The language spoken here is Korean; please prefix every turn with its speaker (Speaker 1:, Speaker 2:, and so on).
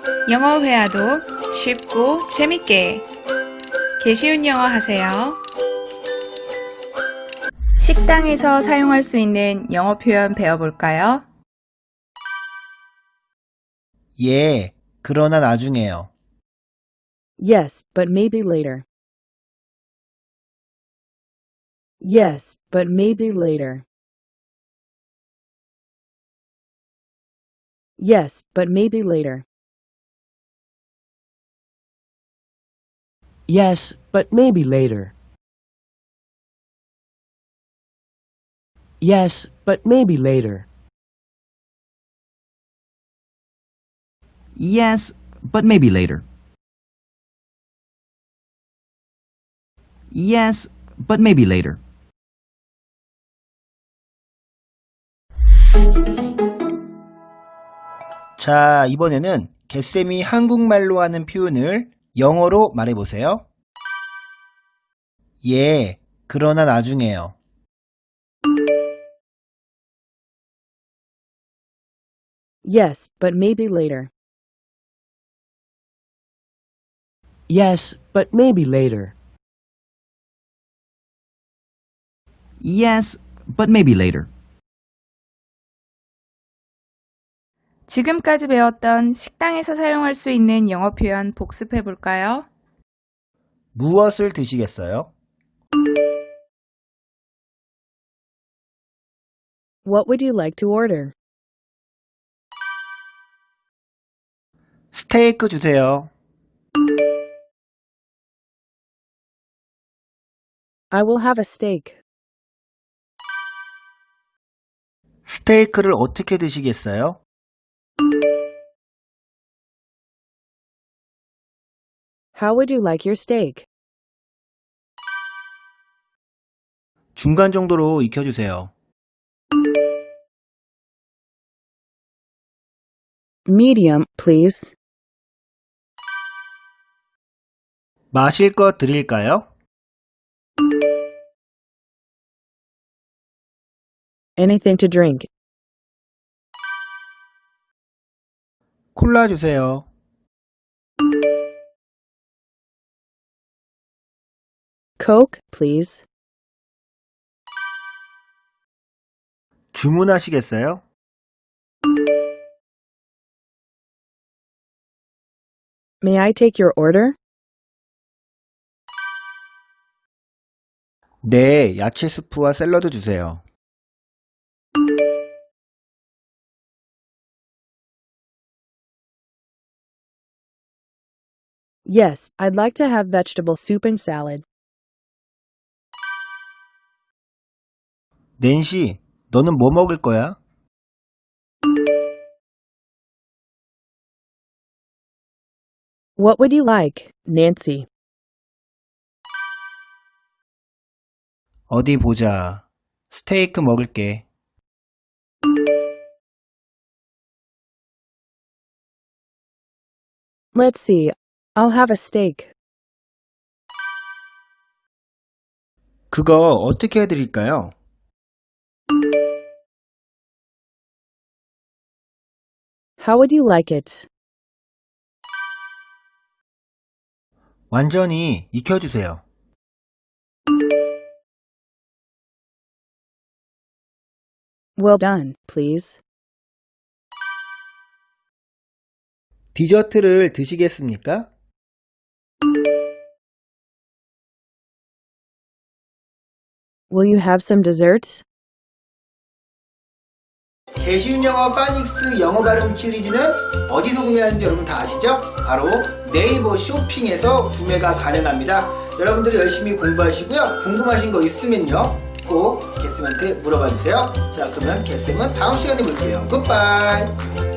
Speaker 1: 영어 회화도 쉽고 재밌게 개쉬운 영어 하세요. 식당에서 사용할 수 있는 영어 표현 배워볼까요?
Speaker 2: 예, 그러나 나중에요.
Speaker 3: Yes, but maybe later. Yes, but maybe later. Yes, but maybe later.
Speaker 4: Yes, but maybe later. Yes, but maybe later.
Speaker 5: Yes, but maybe later. Yes, but maybe later.
Speaker 2: 자, 이번에는 개쌤이 한국말로 하는 표현을 영어로 말해보세요. 예, 그러나 나중에요.
Speaker 3: Yes, but maybe later.
Speaker 4: Yes, but maybe later.
Speaker 5: Yes, but maybe later.
Speaker 1: 지금까지 배웠던 식당에서 사용할 수 있는 영어 표현 복습해 볼까요?
Speaker 2: 무엇을 드시겠어요?
Speaker 3: What would you like to order?
Speaker 2: 스테이크 주세요.
Speaker 3: I will have a steak.
Speaker 2: 스테이크를 어떻게 드시겠어요?
Speaker 3: How would you like your steak?
Speaker 2: 중간 정도로 익혀주세요.
Speaker 3: Medium, please.
Speaker 2: 마실 것 드릴까요?
Speaker 3: Anything to drink.
Speaker 2: 콜라 주세요.
Speaker 3: Coke, please.
Speaker 2: 주문하시겠어요?
Speaker 3: May I take your order?
Speaker 2: 네, 야채 수프와 샐러드 주세요.
Speaker 3: Yes, I'd like to have vegetable soup and salad.
Speaker 2: 낸시, 너는 뭐 먹을 거야?
Speaker 3: What would you like, Nancy?
Speaker 2: 어디 보자. 스테이크 먹을게.
Speaker 3: Let's see. I'll have a steak.
Speaker 2: 그거 어떻게 해드릴까요?
Speaker 3: How would you like it?
Speaker 2: 완전히 익혀주세요.
Speaker 3: Well done, please.
Speaker 2: 디저트를 드시겠습니까?
Speaker 3: Will you have some dessert?
Speaker 2: 개쉬운 영어 파닉스 영어 발음 시리즈는 어디서 구매하는지 여러분 다 아시죠? 바로 네이버 쇼핑에서 구매가 가능합니다. 여러분들이 열심히 공부하시고요. 궁금하신 거 있으면요. 꼭 개쌤한테 물어봐 주세요. 자, 그러면 개쌤은 다음 시간에 볼게요. 굿바이.